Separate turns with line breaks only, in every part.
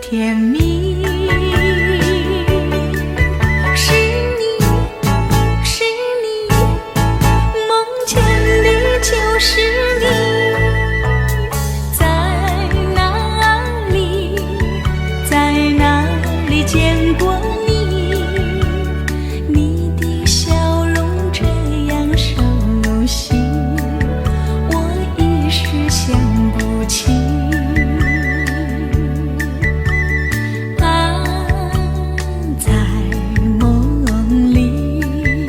甜蜜。是你，是你，梦见的就是你。在哪里，在哪里见过你？你的笑容这样熟悉，我一时想不起。在梦里。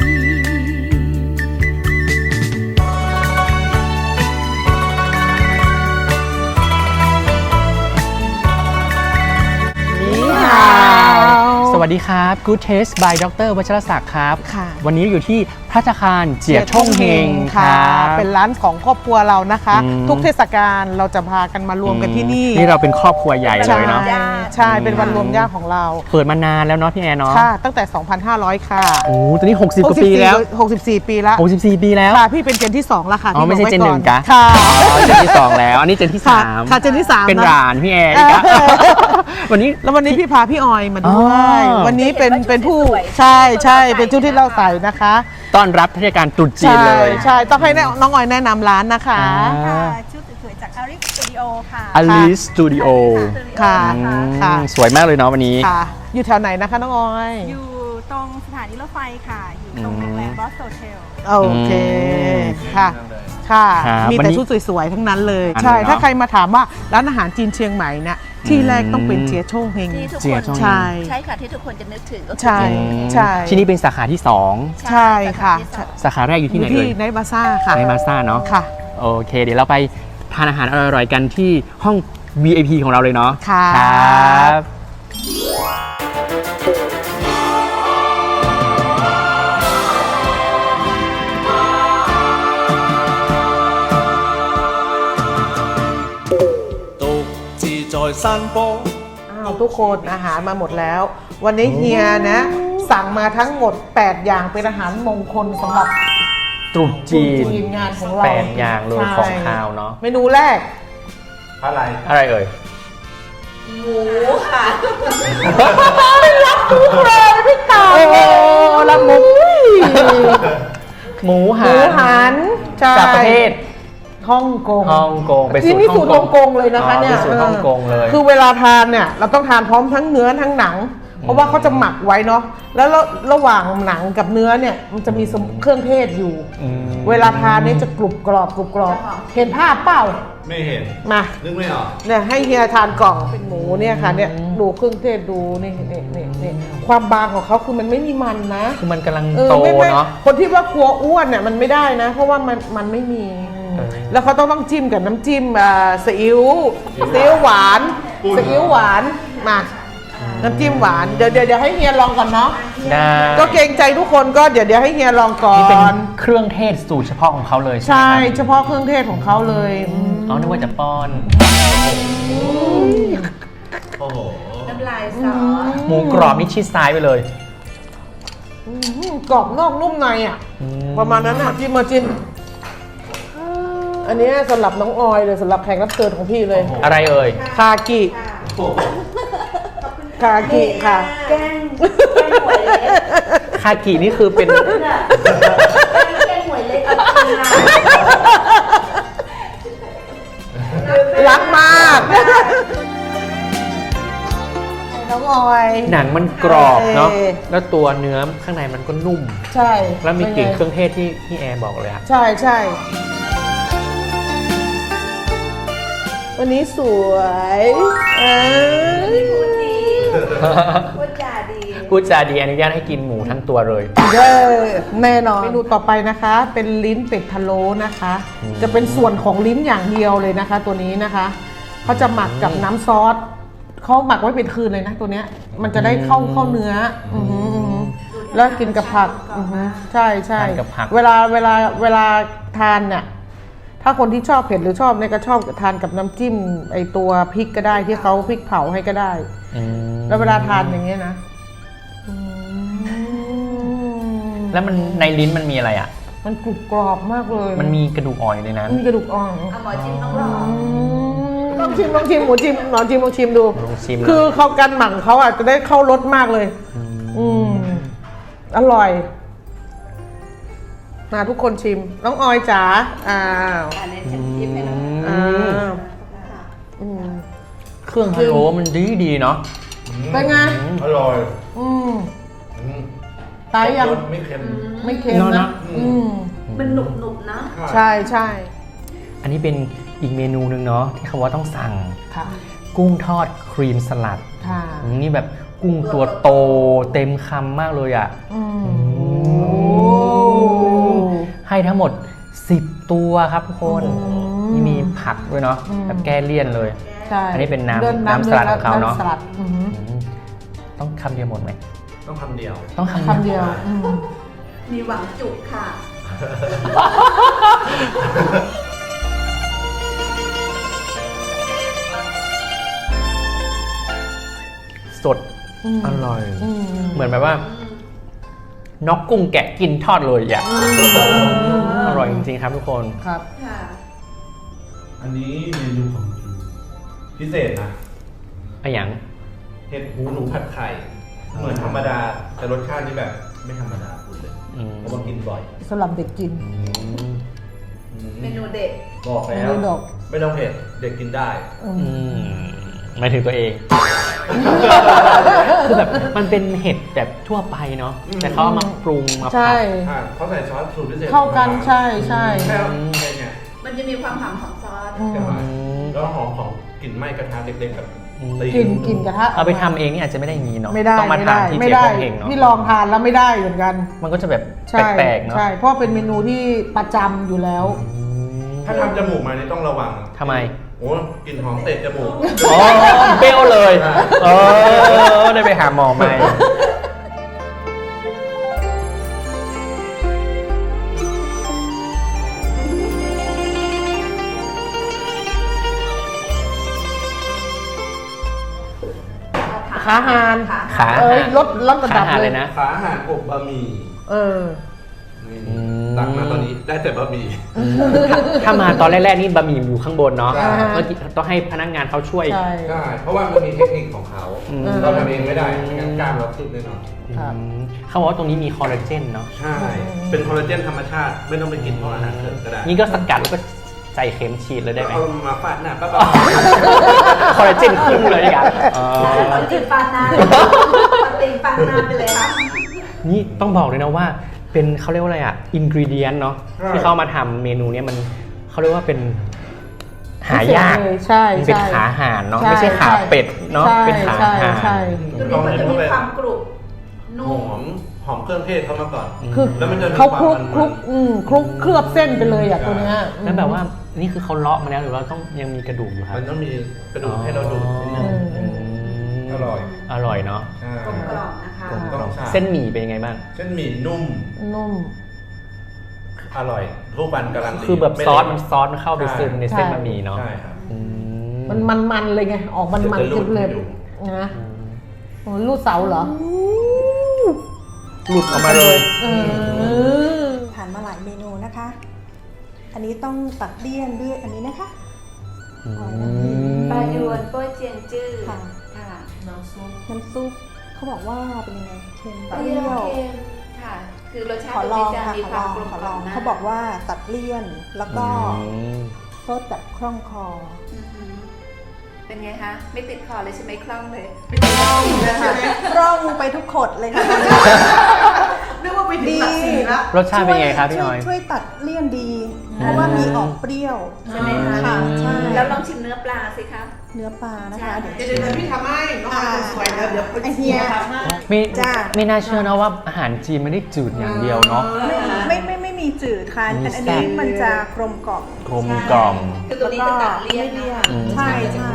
สวัสดีครับ Good Taste by ดร.วัชรศักดิ์ครับ
ค่ะ
วันนี้อยู่ที่ภัตตาคารเจียช่องเฮงครับ
เป็นร้านของครอบครัวเรานะคะ
อืม
ทุกเทศกาลเราจะพากันมารวมกันที่นี่
นี่เราเป็นครอบครัวใหญ่เลยเนาะ
ใช่ เป็นวันรวมญาติของเรา
เปิดมานานแล้วเนาะพี่แอนเนาะ
ค่ะ ตั้งแต่ 2,500 ค่ะ
โอ้ตอนนี้60กว่าปีแล้ว
64 ปีแล้ว
64 ปีแล้ว
ค่ะ พี่เป็นเจนที่ 2 แล้วค่ะ
อ๋อไม่ใช่
พี่
เจน
บ
ห
อก
นึ่ง
ไว้
กะ
ค่ะ
อ๋อเจนที่ 2 แล้ว อันนี้เจนที่
ค่ะ
3
ค่ะเจนที่ 3
เป็น
นะ
หลานพี่แอนอีกอะ วันนี้
แล้ววันนี้พี่พาพี่ออยมาด้วย
อ๋อ
วันนี้เป็นผู้ใช่เป็นชุดที่เราใส่นะคะ
ต้อนรับเทศกาลตรุษจีน
ใช่
เลย
ใช่ต้องให้น้องออยแนะนำร้านนะคะ
ค่ะชุดสวยๆจากอาริสตูดิโอค่ะ
Alice Studio
ค่ะ
อืม
ค่ะ
สวยมากเลยเนาะวันนี้
ค่ะ อยู่แถวไหนนะคะน้องออย
อยู่ตรงสถานีรถไฟค่ะ อยู่ตรงโรงแรมบอสโตเทล
โอเคค่ะ ค่ะ
ครับ
มี
วัน
แต่
นี้
ชุดสวยๆ ทั้งนั้นเลย
อัน
ใช่
เลยเนอะ
ถ้าใครมาถามว่าร้านอาหารจีนเชียงใหม่เนี่ยที่แรกต้องเป็นเจียโช่งเฮง
ที่ทุก
เจี
ค
ย
น
ช่อง
ใช่
ใช่ค่ะที่ทุกคนจะนึกถึงก็คือ
ใช่
เจียช่องเฮง
ใช่
ที่นี่เป็นสาขาที่
ใช่ค่ะ
2 สาขาแรกอยู่ที่ไหน
ที่
เอ่ย
ไนท์บาซ่าค่ะ
ในมาซ่าเนาะ
ค่ะ
โอเค เดี๋ยวเราไปทานอาหารอร่อยๆกันที่ห้อง VIP ของเราเลยเนาะ
ค่ะ
ครับ
獨自在山坡。
อ้าวทุกคนอาหารมาหมดแล้ว วันนี้เฮียนะ สั่งมาทั้งหมด 8 อย่างเป็นอาหารมงคลสำหรับ
ตรุษจีน
งานของเรา
8 อย่างเลย
ใช่
ของคาวเนาะ
เมนูแรก
อะไรเอ่ย
เลยพี่ตา
โอ้ละมุกหมู
ห
หั
มู
น
หันใช่
จากประเทศ
ฮ่องกง
ฮ่องกงเป็นสู
ที่
ตร
นี่สูตร
ฮ่
ฮ่
อ
อง ง
ก
ก
ง
งเลยนะคะเนี่ย
เป็นสูตรฮ่องกงเลย
คือเวลาทานเนี่ยเราต้องทานพร้อมทั้งเนื้อทั้งหนัง เพราะว่าเขาจะหมักไว้เนาะแล้วระหว่างหนังกับเนื้อเนี่ยมันจะมีเครื่องเทศอยู่
ม
เวลาทานเนี่ยจะกรุบกรอบเห็นภาพเปล่า
ไม่เห็น
มา
นึกไม่ออก
เนี่ยให้เฮียทานกล่องเป็นหมูเนี่ยค่ะเนี่ยดูเครื่องเทศดูนี่ความบางของเขาคือมันไม่มีมันนะ
คือมันกำลัง
เออ
โต
ไม่
เนาะ
คนที่ว่ากลัวอ้วนเนี่ยมันไม่ได้นะ เพราะว่ามันไม่มี
เออ
แล้วเขาต้องจิ้มกับน้ำจิ้มซีอิ๊วหวานซีอิ๊วหวานมาน้ำจิ้มหวานเดี๋ยวให้เฮียลองก่อนเนาะ
ได้
ก็เกรงใจทุกคนก็เดี๋ยวให้เฮียลองก่อ
นี่เป็น
น
เครื่องเทศสูตรเฉพาะของเขาเลย
ใช่
ไหมครับ
เฉพาะเครื่องเทศของเขาเลยอืม
อ๋อนึกว่าจะป้อน
โอ้โห
น้ำลายซอส
หมูกรอบนี่ชิดซ้ายไปเลย
กรอบนอกนุ่มในอ่ะ ประมาณนั้นอ่ะจิ้มมาจิ้มอันนี้สำหรับน้องออยเลยสำหรับแขกรับเชิญของพี่เลย
อะไรเอ่ย
คากิคากิค่ะ
แกงหวยเล็ก
คากินี่คือเป็น
แกงหวยเล็ก
รักมาก น้องออย
หนังมันกรอบเนาะ
เออ
แล้วตัวเนื้อข้างในมันก็นุ่ม
ใช่
แล้วมีกลิ่นเครื่องเทศที่พี่แอร์บอกเลยอะ
ใช่วันนี้สวย
พูดจาดี
พูดจาดีอนุญาตให้กินหมูทั้งตัวเลย
เย้แน่นอนเมนูต่อไปนะคะ เป็นลิ้นเป็ดพะโล้นะคะ จะเป็นส่วนของลิ้นอย่างเดียวเลยนะคะ ตัวนี้นะคะเขาจะหมักกับน้ำซอสเขาหมักไว้เป็นคืนเลยนะตัวเนี้ยมันจะได้เข้าเนื้ออือหือแล้วกินกับผักอือหือใช่
ทานกับผัก
เวลาทานเนี่ยถ้าคนที่ชอบเผ็ดหรือชอบเนี่ยก็ชอบทานกับน้ำจิ้มไอตัวพริกก็ได้ที่เขาพริกเผาให้ก็ได้
อืม
แล้วเวลาทานอย่างเงี้ยนะอืม
แล้วมันในลิ้นมันมีอะไรอะ
มันกรุบกรอบมากเลย
มันมีกระดูกอ่อนอยู่ในนั้น
มีกระดูกอ่อน
เอาหมอจิ้มต้องรอ
อืมองชิมหมูชิมลองชิมดู
ลองชิม
คือเขาการหมักเขาอาจจะได้เข้ารสมากเลย อร่อย มาทุกคนชิมน้องออยจ๋าอ้าว
อันนี้ฉันยิ้มให้น้อง
เครื่องพะโล้มันดีเนาะ
เป็นไง
อร่อย
ตายยัง
รสไม่เค็ม
ไม่เค็มนะ
มันหนุบๆนะ
ใช่ใช่
อันนี้เป็นอีกเมนูหนึ่งเนาะที่เขาว่าต้องสั่ง
ค่ะ
กุ้งทอดครีมสลัด
ค่ะ
นี่แบบกุ้งตัวโตเต็มคำมากเลยอ่ะให้ทั้งหมด 10 ตัวครับทุกคนนี่มีผักด้วยเนาะแบบแก้เลี่ยนเลย
ใช่
อันนี้เป็นน้ำ
เดิ
สลัดของเขาเนาะ
ำสลัด
ต้องคำเดียวหมดไหม
ต้องคำเดียว
ต้อง
คำเดียว
มีหวังจุกค่ะ
สดอร่อย เหมือนแบบว่าน็อกกุ้งแกะกินทอดเลยอ่ะอร่อยจริงๆครับทุกคน
ครับ
ค่ะ
อันนี้เมนูของพิเศษนะ
อะอย่าง
เห็ดหูหนูผัดไข่ เหมือนธรรมดา แต่รสชาตินี่แบบไม่ธรรมดาคุณเลยเพราะว่ากินบ่อย
สำหรับเด็กกิน
เมนูเด็ด
บอกแล้ว
เมนูดอก
ไม่ต้องเผ็ดเด็กกินได้
หมายถึงตัวเอง คือแบบมันเป็นเห็ดแบบทั่วไปเนาะแต่เขาเอามาปรุงมาผั
ใช่
ด
เขาใส่ซอสสูตรพิเศษ
เข้ากันใช่ใช่
แค่เนี่ย
มันจะมีความหอมของซอส
แล้วหอมของกลิ่นไหม้กระทะเล็กๆกับตี
กินกระทะ
เอาไปทำเองนี่อาจจะไม่ได้อย่างนี้เนาะ
ไม่ได้
ต้องมา
ไม่
ทาน
ได้
ที่
ไม่
เจ๊
ได้
พงเฮงเนาะ
พี่ลองทานแล้วไม่ได้เหมือนกัน
มันก็จะแบบ
ใช่
แปลกๆเนาะ
ใช่เพราะเป็นเมนูที่ประจำอยู่แล้ว
ถ้าทำจมูกมานี่ต้องระวัง
ทำไม
โอ้กลิ่นหอมเตะจมูก
อ๋อเปรี้ยวเลยได้ไปหาหมอไหม
ขาหาน
ขา
เอ้ยลดระดับ
ขาหา
เล
เลย ยนะ
ขาอาหารอบบะหมี่
เออ
นี่ตักมาตอนนี้ได้แต่บะหมี่
ถ้ามาตอนแรกๆนี่บะหมี่อยู่ข้างบนเนาะ
ใช่
เมื่อกี้ต้องให้พนักงานเขาช่วย
ใช่
ใช่เพราะว่ามันมีเทคนิคของเขา เราทำเองไม่ได้ไม่งั้นกล้ามเราสุดแน่นอน
ครับ
เขาบอกว่าตรงนี้มีคอลลาเจนเนาะ
ใช่ เป็นคอลลาเจนธรรมชาติไม่ต้องไปกินเพราะอาหารเสริมก็ได้
นี่ก็สกัดแล้วก็ใส่เข็มฉีดเลยได้ไหม
เอามาฟาดหน้าป้า
คอลลาเจนขึ้นเลยอ่ะ
ปฏิปานาปฏิปานาไปเลยค่ะ
นี่ต้องบอกเลยนะว่าเป็นเขาเรียกว่าอะไรอ่ะอินกรีเดียนเนาะที่เขามาทำเมนูเนี้ยมันเขาเรียกว่าเป็นหายาก
ใช่
มันเป็น
ใช่
ขาห่านเนาะ
ใช่
ไม่ใช่ขาเป็ดเนาะ
ใช่
เป็นขา
ใช่
ห่าน
ใช่
ตัวนี้มันจะมีความกรุบ
ห
นุ่
อ
ม
หอมเครื่องเทศเขามาก่อน
คือ
แล้วมันจะมี
เขา
ความ
คลุก
มันๆ
คลุกคลุกเคลือบเส้นไปเลยอ่ะตัวเนี้ย
แล้วแบบว่านี่คือเขาเลาะมาแล้วหรือว่าต้องยังมีกระดูกอยู่ครับ
มันต้องมีกระดูกให้เราดูดนิดนึง อร่อย
อร่อยเนาะ
ใช่
กลมกล่อมนะคะ
ต้องใช่
เส้นหมี่เป็นยังไงบ้าง
เส้นหมี่นุ่ม
นุ่ม
อร่อยทุกวันการันตี
คือแบบ
ไม่
ซอส
เละ
มันเข้าไปซึมในเส้นบะหมี่เนาะ
ใช่ครับ
อืม
มันเลยไง ออกมัน
จะรูด
เลย
ให้ดู
นะโอ้ลูดเสาเหรอ
หลุดออกมาเลย
ผ่านมาหลายเมนูนะคะ อันนี้ต้องตัดเลี่ยนด้วยอันนี้นะคะ
ปลายวนโป้ยเจียงจื้อ
ค่ะ
ค่ะน้ำซุป
น้ำซุปเขาบอกว่าเป็นยังไงเค็ม
เป
เป
รี้
รี้
ย
ยว ว
เค็มค่ะ คือรสชาติ
ขอลอง
จะ
ค่ะ
มี
ขอ
ค
ล
วาม
อง
กลม
ขอก ล
ล่อ
อ
ม
ง
นะ
เขาบอกว่าตัดเลี่ยนแล้วก็ซดแบบคล่องคอ
อือหือเป็นไงคะ ไม่ติดคอเลยใช่ไหมคล่องเลย
ร่องไปทุกขดเลยค่ะ
นึกว่าไปถึงหลักสี่ละ
รสชาติเป็นไงครับพี่น้อย
ช่วยตัดเลี่ยนดี เพราะว่ามีออกเปรี้ยว
ใช่ไหมคะ
ค่ะใช่
แล้วลองชิมเนื้อปลาสิคะ
เนื้อปลานะคะ
ใช่
เดี๋ยว
เดี๋ยวพี่ทำให้น้องอาสวยแล้วเดี๋ยว
ไอเฮีย
ทำให้
ไม่
จ้า
ไม่น่าเชื่อนะว่าอาหารจีนไม่ได้จืดอย่างเดียวเนาะ
ไม่มีจืดค่ะ
มี
แต่อัน
แซ่
นี้
บ
มันจะกลมกล่อม
กลมกล่อม
คือตัวนี้จะตัดเลี่ยนนะคะ
ใช่ใช่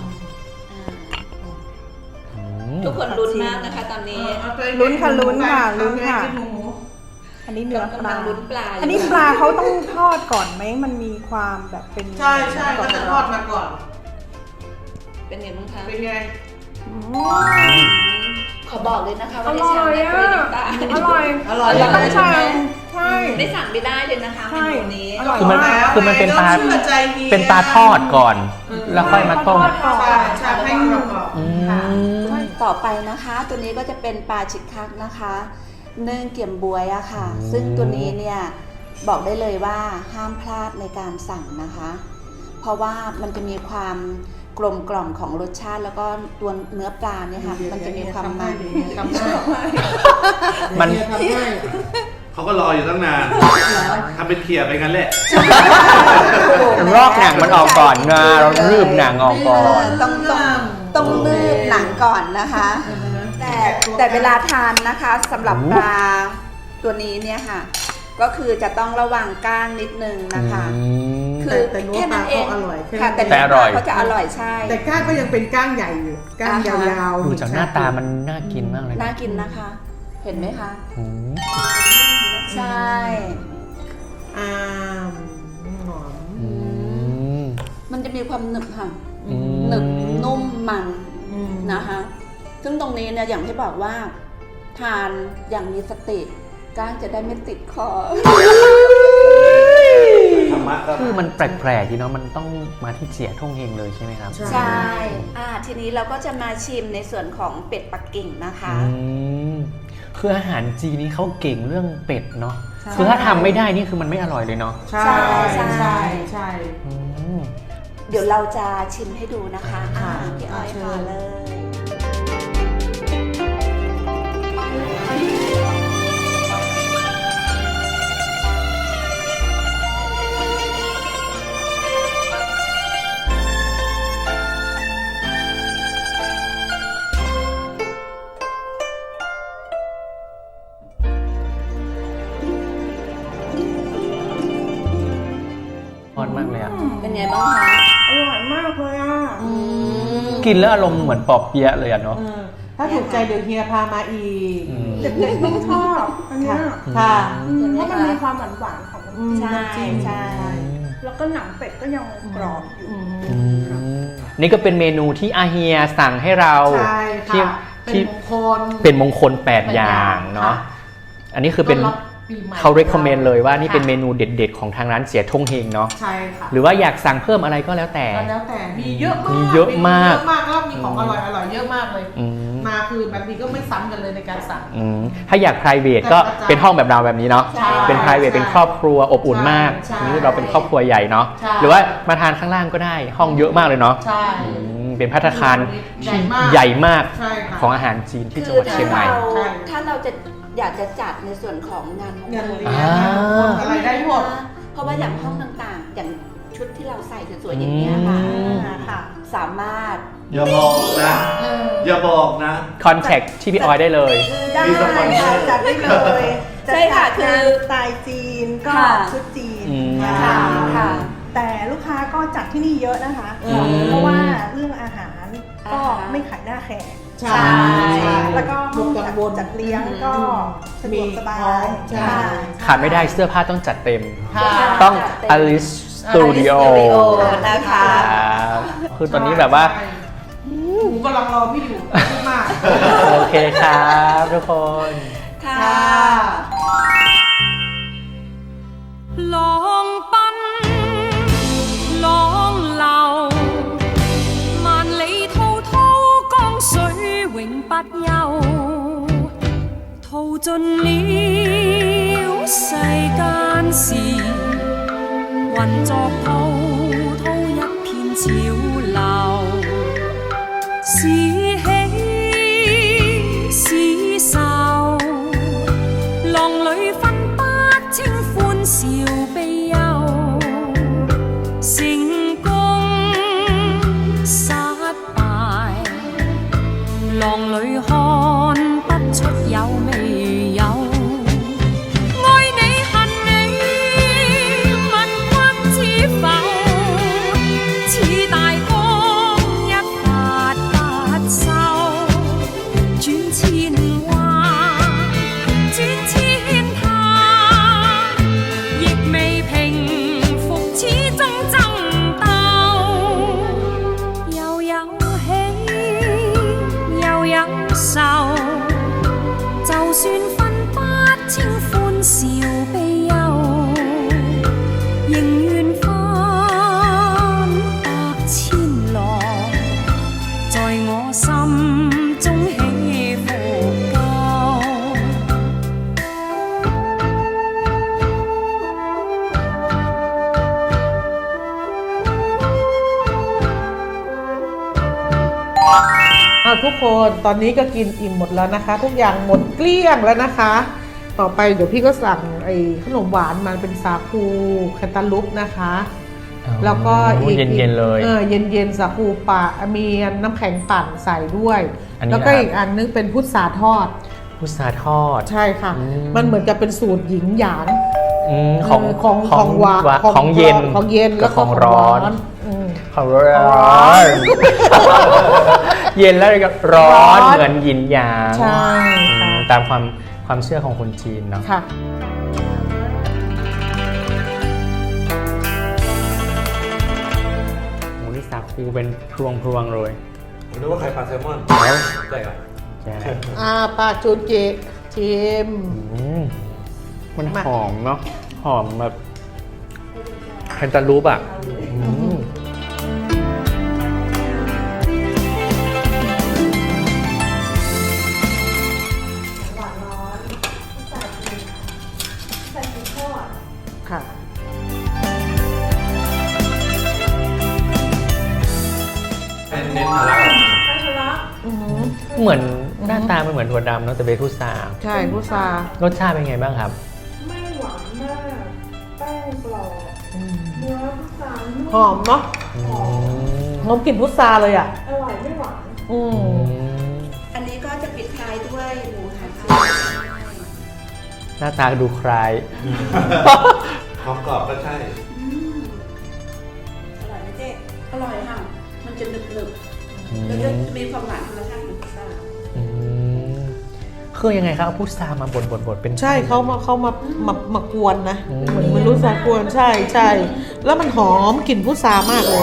ทุกคนลุ้นมากนะคะตอนนี้
ลุ้นค่ะลุ้นค่ะลุ้นค่ะ อันนี้เนื้อป
กำ
ลา
ลังลุ้นปลา
อันนี้ปลาเขาต้องทอดก่อนไหมมันมีความแบบเป็น
ใช่ใช่ก็จะทอดมาก่อน
เป็นไงบ้างคะ
เป็นไง
อืม
ขอบอกเลยนะคะ
อ
ว่าดิ
ร่
ฉั
อน ย
เนี่ย
อ่ะ
คุยน้ำตา
อร่อย
อร่อย
ต้องใช่ใช่
ได้สั่งไม่ได้เลยนะคะเมนูนี้
อร่อย
คือมัน
มาก
คือมันเป็นปลา
เชื่อใจเฮีย
เป็นปลาทอดก่อน แล้วค่อยมาต้ม
ทอดก่อน
ใช่ให้กรอบ
อืม
ต่อไปนะคะ ตัวนี้ก็จะเป็นปลาชิกคักนะคะเนื่องเกี่ยมบวยอะค่ะ ซึ่งตัวนี้เนี่ยบอกได้เลยว่าห้ามพลาดในการสั่งนะคะ เพราะว่ามันจะมีความกลมกล่อมของรสชาติแล้วก็ตัวเนื้อปลาเนี่ยค่ะ มันจะมีความมัน
ทำได้
มัน
ทำได้
เขาก็รออยู่ตั้งนานทำเป็นเคลียร์ไปงั้นแหละ
ลอกหนังมันออกก่อนนะเรารืบหนังออกก่อน
ต้องลืบหนังก่อนนะคะ แต่เวลาทานนะคะสำหรับปลาตัวนี้เนี่ยค่ะ ก็คือจะต้องระวังก้างนิดนึงนะคะ คือ
แต่เนื้อ
แค่นั้นเอง
ปลาเขาอร่อยแค่นั้น
ค่ะแต่
แต่
เนื้อ
อ
ป
ร่
ลา
อย
เขาจะอร่อยใช่
แต่ก้างก็ยังเป็นก้างใหญ่อยู่ก้างยาวๆ
ดูจากหน้าตามันน่ากินมากเลย
น่า
นะ
กินนะคะ เห็นไหมคะ
อืม
ใช่
อ่ามหอม
อืม
มันจะมีความหนึบค่ะ
อืม
หนึบนุ่มมัน
อืม
นะคะ ซึ่งตรงนี้เนี่ยอย่างที่บอกว่า ทานอย่างมีสติก้างจะได้ไม่ติดคอ
ธรรมะก็
คือมันแปลกๆดีเนาะมันต้องมาที่เจียท่งเฮงเลยใช่ไหมครับ
ใช่ทีนี้เราก็จะมาชิมในส่วนของเป็ดปักกิ่งนะคะ
อืมคืออาหารจีนนี่เขาเก่งเรื่องเป็ดเนาะ
ใช่
คือถ้าทำไม่ได้นี่คือมันไม่อร่อยเลยเนาะ
ใช่
ใช่
ใช่ใช่
อืม
เดี๋ยวเราจะชิมให้ดูนะคะ
ค่ะ
พี่อ้อย
เชิญ
พาเลย
ทอดมากเลยอะ
เป็นไงบ้างคะ
อร่อยมากเลยอ่ะ
กินแล้วอารมณ์เหมือนปอบเปี๊ยะเลยอะเนาะ
ถ้าถูกใจเดี๋ยวเฮียพามาอีก
อืม
เด็กๆต้องชอบอันเนี้ย
ค่ะ
เพราะมันมีความหวานๆของน้ำ
ใช่
น้ำจิ้ม
ใช่
แล้วก็หนังเป็ดก็ยังกรอบอยู่
อืมนี่ก็เป็นเมนูที่อาเฮียสั่งให้เรา
ใช่
ที่
ค่ะ เป็น
ที่
มงคล
เป็นมงคล 8 อย่างเนาะ
ค่ะ
อันนี้คือเป็น
ต้นรับปีใหม่
เขา recommend เลยว่านี่เป็น
ค่ะ
เมนูเด็ดๆของทางร้านเสียท่งเฮงเนาะ
ใช่ค่ะ
หรือว่าอยากสั่งเพิ่มอะไรก็แล้วแต่
ก็แล้วแต่มีเยอะมาก
มีเยอะมาก
เยอะมากแล้วมีของอร่อยเยอะมากเลย
อืม
มาคือแบบนี้ก็ไม่ซ้ำกันเลยในการสั่ง
อืมถ้าอยาก private ก็เป็นห้องแบบเราแบบนี้เนาะ
ใช่
เป็น private เป็นครอบครัวอบอุ่นมาก
ใช่
นี่เราเป็นครอบครัวใหญ่เนาะ
ใช่
หรือว่ามาทานข้างล่างก็ได้ห้องเยอะมากเลยเนาะ
ใช่
อืมเป็นภัตตาคาร
ใหญ่
ที่
มาก
ใหญ่มาก
ใช่ค่ะ
ของอาหารจีนที่จัง
คื
หวัดเชียงใหม่
ใช่
ถ้าเราจะอยากจะจัดในส่วนของงานมง
เงิน
คล
เลี้ย
อ่า
งอะไรได้หมด
เพราะว่าอย่างห้องต่างๆ อย่างชุดที่เราใส่สวยๆอย่างเงี้ยค่ะ
อืม
ค่ะ สามารถ
อย่าบอกนะ อย่าบอกนะ
contact ที่พี่ออยได้เลย
ได้
มีสปอนเซอร์
จัดได้เลย
ใช่ค่ะคือ
สไตล์จีนก็
ค่ะ
ชุดจีน
อืม
ค่ะค่ะ
แต่ลูกค้าก็จัดที่นี่เยอะนะคะ
อืม
เพราะว่าเรื่องอาหารก็
อ่าฮะ
ไม่ขายหน้าแขก
ใช่
แล้วก็ห้อง
กั
จั
ง
ด
วล
จัดเลี้ยงก็สะดวกสบา
มีพร้อย มใช่
ค่ะ
ขาดไม่ได้เสื้อผ้าต้องจัดเต็ม
ค่ะ
ต้อง Alice Studio
นะคะ
ครับคือตอนนี้แบบว่า
หนูกำลังรอพี่อยู่พูดมาก
โอเคครับทุกคน
ค่ะ
浪奔，浪流，萬里滔滔江水永不休，淘盡了世間事，混作滔滔一片潮流，是喜是愁，浪裏分不清歡笑悲憂，成功失敗，浪裏看不出有未有。愛你恨你，問君知否？似大江一發不收，轉千彎，轉千灘，亦未平復，始終爭鬥。又有喜，又有
ทุกคนตอนนี้ก็กินอิ่มหมดแล้วนะคะ ทุกอย่างหมดเกลี้ยงแล้วนะคะ ต่อไปเดี๋ยวพี่ก็สั่งไอ้ขนมหวานมันเป็นสาคูแคนตาลูปนะคะ แล้วก็อีก
เย็นๆเลย
เย็นๆสาคูปะมีน้ำแข็งปั่นใส่ด้วย
อันนี้
แล้วก็
นะครับ
อีกอันนึงเป็นพุทราทอด
พุทราทอด
ใช่ค่ะ มันเหมือนกับเป็นสูตรหญิงหยาง
ของ
หวาน
ของเย็น
ของเย็น
กั
แล้
บ
ว
ข
ก็
องร้อน
อืม
ของร้อนเย็นแล้วก็ร้อนเหมือนหยินหยาง
ใช่ค่ะ
ตามความเชื่อของคนจีนเนาะ
ค่ะ
โอ้นี่สาคูเป็นพรวงๆเลย
ผมนึกว่าไข่ปลาแซลมอนใช่ครับ
แค่ไหน
ปลาจูนเจชิม
มัน
มา
หอมเนาะหอมแบบแคนตาลูปอ่ะ
ค่ะ
เน้นทะลัก
เหมือนหน้าตามันเหมือนถั่วดำเนาะแต่เป็นพุทรา
ใช่พุทราร
สชาติเป็นไงบ้างครับ
ไม่หวานมาก แป้งกรอบเนื้อพุทรานุ่ม
หอมเนาะหอมกลิ่นพุทราเลยอ่ะ
อร่อยไม่หวาน
อันนี้ก็จะปิดท้ายด้วยหมูหันค่ะ
หน้าตาดูคล้าย
ความกรอบก็ใช่
อร่อยไหมเจ๊อร่อยค่ะ มันจะหนึบๆแล้วก็จะมีความหวานธรรมชาติของพุทรา
คือยังไงครับเอาพุทรามาบดเป็น
ใช่เขามากวนนะเหมือนมันรู้สากวนใช่แล้วมันหอมกลิ่นพุทรามากเลย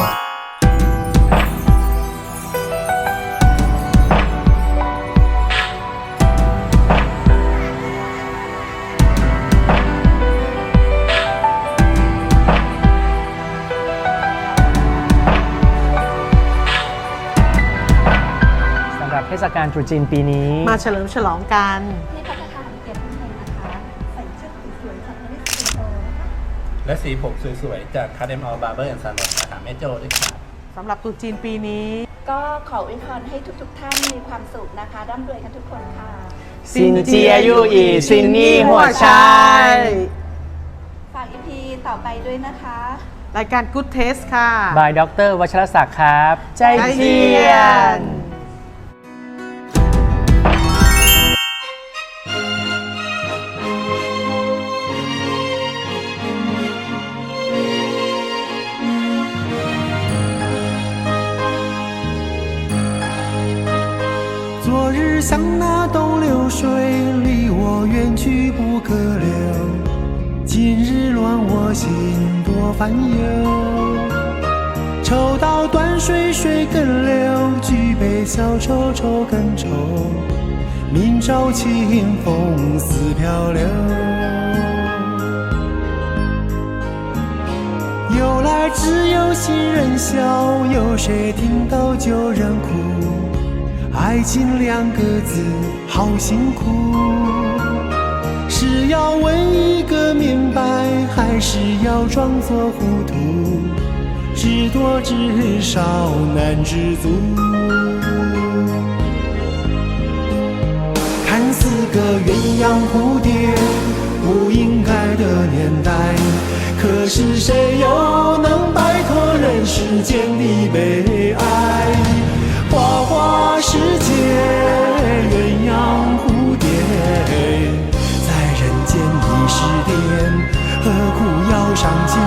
สำหรับเทศกาลตรุษจีนปีนี้
มาเฉลิมฉลองกัน
ที่พัฒนาเกียรติเมืองนะคะ ใส่ชุดสวยๆจากนิสซิโตนะคะ
และสีผมสวยๆ จากคาเดมอลบาร์เบอร์แอนด์ซาลอนนะคะแม่โจ้ด้วยครับ
สำหรับตรุษจีนปีนี้
ก็ขออวยพรให้ทุกๆท่านมีความสุขนะคะร่ำรวยกันทุกคนค่ะ
ซินเจียยู่อีซินนี่หัวชาย
ฝากอีพีต่อไปด้วยนะคะ
รายการ Good Taste ค่ะ
บายดรวัชรศักดิ์ครับ ใจเจียน
昨日像那东流水，离我远去不可留。今日乱我心多烦忧。抽刀断水水更流，举杯消愁愁更愁。明朝清风似飘流。由来只有新人笑，有谁听到旧人哭？爱情两个字好辛苦，是要问一个明白，还是要装作糊涂？知多知少难知足。看似个鸳鸯蝴蝶，不应该的年代，可是谁又能摆脱人世间的悲哀？花花世界，鸳鸯蝴蝶，在人间已是癫，何苦要上街